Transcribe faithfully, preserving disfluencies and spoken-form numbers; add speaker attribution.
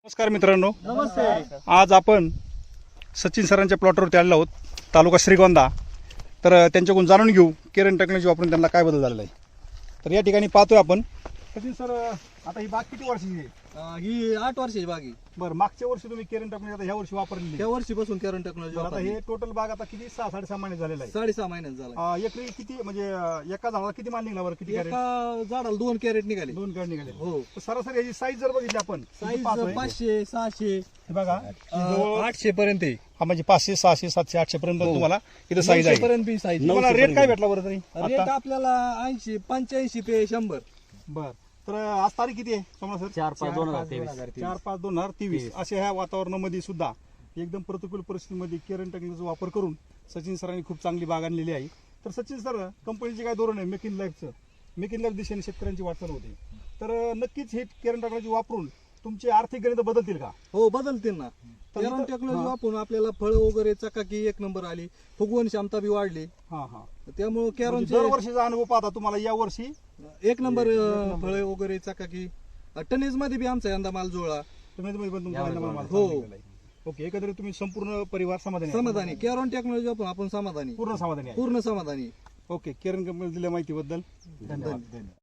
Speaker 1: नमस्कार मित्रांनो,
Speaker 2: नमस्ते.
Speaker 1: आज आपण सचिन सरांच्या प्लॉटवरती आलेलो आहोत, तालुका श्रीगोंदा. तर त्यांच्याकडून जाणून घेऊ केरन टेक्नॉलॉजी वापरून त्यांना काय बदल झालेला आहे. तर या ठिकाणी पाहतोय आपण सचिन सर, आता ही बाग किती वर्षाची आहे?
Speaker 2: अं, ही आठ वर्षाची बाग आहे.
Speaker 1: बरं, मागच्या वर्षी तुम्ही केरन टेक्नॉलॉजी आता ह्या वर्षी वापरलेली
Speaker 2: त्या
Speaker 1: आहे.
Speaker 2: वर्षीपासून केरन टेक्नॉलॉजी
Speaker 1: बरं, आता हे टोटल बाग आता किती सहा साडेसहा महिने झालेला आहे.
Speaker 2: साडेसहा महिन्यात झाला.
Speaker 1: अं, एकरी किती म्हणजे अं, एका झाडाला किती माल निघाला बरं? किती कॅरेट?
Speaker 2: एका झाडाला दोन कॅरेट निघाले.
Speaker 1: दोन कॅरेट निघाले.
Speaker 2: हो.
Speaker 1: तर सरासरी याची साईज जर बघितली आपण
Speaker 2: साईज
Speaker 1: पाहतोय,
Speaker 2: पाचशे सहाशे
Speaker 1: हे बघा
Speaker 2: अं, आठशे पर्यंत आहे.
Speaker 1: हा म्हणजे पाचशे सहाशे सातशे आठशे पर्यंत
Speaker 2: हो.
Speaker 1: तुम्हाला इथं साईज आहे.
Speaker 2: नऊशे पर्यंत बी साईज.
Speaker 1: तुम्हाला रेट काय भेटला बरं तरी
Speaker 2: रेट
Speaker 1: आता?
Speaker 2: आपल्याला ऐंशी पंच्याऐंशी ते शंभर.
Speaker 1: बर, तर आज तारीख किती आहे सोमवार सर?
Speaker 3: चार पाच दोन हजार तेवीस
Speaker 1: चार पाच दोन हजार तेवीस अशा ह्या वातावरणामध्ये सुद्धा एकदम प्रतिकूल परिस्थितीमध्ये केरन टेक्नॉलॉजीचा वापर करून सचिन सरांनी खूप चांगली बाग आणलेली आहे. तर सचिन सर, कंपनीचे काय धोरण आहे मेक इन लाईफचं, मेक इन लाईफ दिशेने शेतकऱ्यांची वाटचाल होते. तर नक्कीच हे केरन टेक्नॉलॉजी वापरून तुमचे आर्थिक गणित बदलतील का?
Speaker 2: हो, बदलतील ना.
Speaker 1: तर
Speaker 2: केरन
Speaker 1: इथं-
Speaker 2: टेक्नॉलॉजी
Speaker 1: हा.
Speaker 2: वापरून आपल्याला फळं वगैरे चकाकी एक नंबर आली, फुगवण क्षमता बी वाढली.
Speaker 1: हा हा
Speaker 2: त्यामुळे
Speaker 1: म्हणजे
Speaker 2: केरनचे
Speaker 1: दरवर्षीचा अनुभव पाहता तुम्हाला या वर्षी
Speaker 2: एक नंबर फळे वगैरे चकाकी. टनेज मध्ये बी आमचा यंदा माल जुळला.
Speaker 1: तुम्ही तुम्ही पण तुमचा
Speaker 3: यावेळी
Speaker 1: नंबर
Speaker 3: बघा.
Speaker 1: माल
Speaker 2: हो.
Speaker 1: चांगला आहे. ओके, एकंदरीत तुम्ही संपूर्ण परिवार समाधानी आहे?
Speaker 2: समाधानी. केरन टेक्नॉलॉजी वापरून आपण समाधानी,
Speaker 1: पूर्ण समाधानी आहे.
Speaker 2: पूर्ण समाधानी.
Speaker 1: ओके, केरन कंपनी दिल्या माहितीबद्दल धन्यवाद.
Speaker 2: धन्यवाद.